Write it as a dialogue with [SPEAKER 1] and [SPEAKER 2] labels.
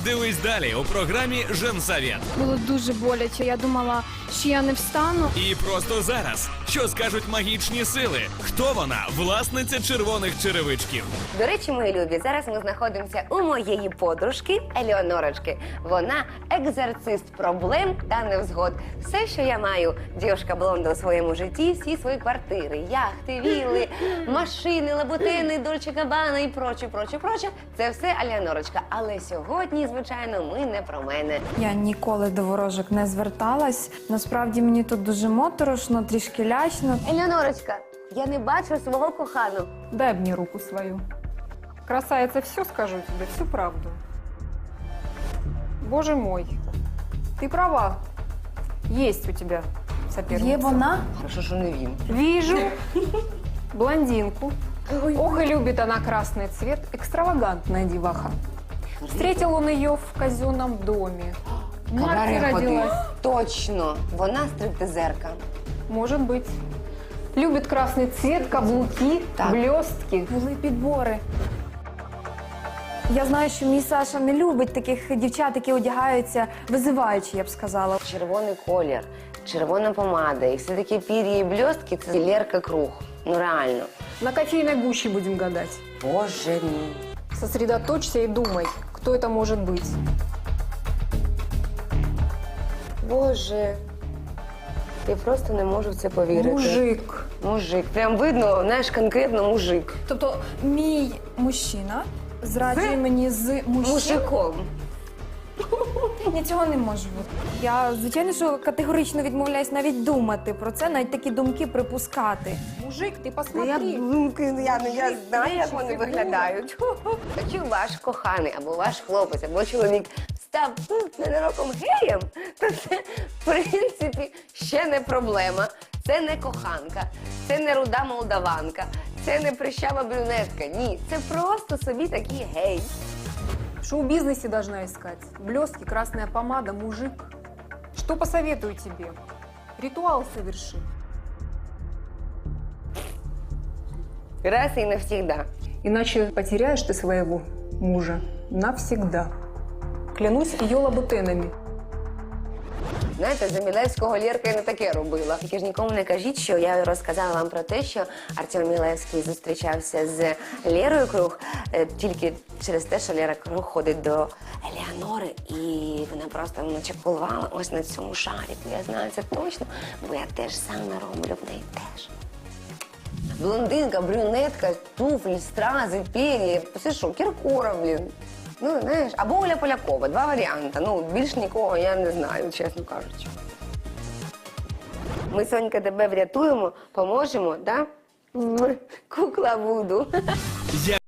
[SPEAKER 1] Дивись далі у програмі «Женсовет».
[SPEAKER 2] Було дуже боляче. Я думала, що я не встану.
[SPEAKER 1] І просто зараз. Що скажуть магічні сили? Хто вона? Власниця червоних черевичків.
[SPEAKER 3] До речі, мої любі, зараз ми знаходимося у моєї подружки Елеонорочки. Вона екзорцист проблем та невзгод. Все, що я маю, дівчинка блонда у своєму житті, всі свої квартири, яхти, вілли, машини, лабутини, Дольче Габбана і проче. Це все Елеонорочка. Але сьогодні, звичайно, ми не про мене.
[SPEAKER 4] Я ніколи до ворожок не зверталась. Насправді мені тут дуже моторошно, трішки лячно.
[SPEAKER 3] Елеонорочка, я не бачу свого коханого.
[SPEAKER 5] Дай мне руку свою. Красавица, все скажу тебе, всю правду. Боже мой, ты права. Есть у тебя соперница.
[SPEAKER 4] Є вона?
[SPEAKER 3] Хорошо, що не він.
[SPEAKER 5] Вижу блондинку. Ох, и любит она красный цвет. Экстравагантная деваха. Встретил он ее в казенном доме. Мать родилась.
[SPEAKER 3] Точно, вона стриптизерка.
[SPEAKER 5] Может быть. Любит красный цвет, каблуки,
[SPEAKER 3] Так.
[SPEAKER 5] блестки.
[SPEAKER 4] Були підбори. Я знаю, що мій Саша не любить таких дівчат, які одягаються визиваючи, я б сказала.
[SPEAKER 3] Червоний колір, червона помада і все такі пір'я і блістки – це Лерка Круг. Ну реально.
[SPEAKER 5] На кофейной гуще будем гадать.
[SPEAKER 3] Боже мій.
[SPEAKER 5] Сосредоточься и думай, кто это может быть.
[SPEAKER 3] Боже. Я просто не можу в це повірити.
[SPEAKER 5] Мужик.
[SPEAKER 3] Мужик. Прям видно, знаєш, конкретно мужик.
[SPEAKER 4] Тобто мій мужчина зраджує мені з
[SPEAKER 3] Мужиком.
[SPEAKER 4] Ні, цього не може бути. Я, звичайно, що категорично відмовляюсь навіть думати про це, навіть такі думки припускати.
[SPEAKER 5] Мужик, ты
[SPEAKER 3] Я
[SPEAKER 5] посмотри.
[SPEAKER 3] я знаю, як вони виглядають. Якщо ваш коханий, або ваш хлопець, або чоловік став ненароком геєм, то це, в принципі, ще не проблема. Це не коханка, це не руда молдаванка, це не прищава брюнетка. Ні, це просто собі такий гей.
[SPEAKER 5] В шоу-бизнесе должна искать. Блестки, красная помада, мужик. Что посоветую тебе? Ритуал соверши.
[SPEAKER 3] Раз і навсегда.
[SPEAKER 5] Иначе потеряешь ты своего мужа навсегда. Клянусь ее лабутенами.
[SPEAKER 3] Знаєте, за Мілевського Лєрка і не таке робила. Тільки ж нікому не кажіть, що я розказала вам про те, що Артем Мілевський зустрічався з Лєрою Круг тільки через те, що Лєра Круг ходить до Елеонори, і вона просто начекувала ось на цьому шарику. Я знаю це точно, бо я теж саме роблю в неї теж. Блондинка, брюнетка, туфлі, стрази, пер'я. Це що, Кіркоров, блін. Ну, знаєш, або Оля Полякова. Два варіанти. Ну, більш нікого я не знаю, чесно кажучи. Ми, Сонька, тебе врятуємо, поможемо, да? Кукла Вуду.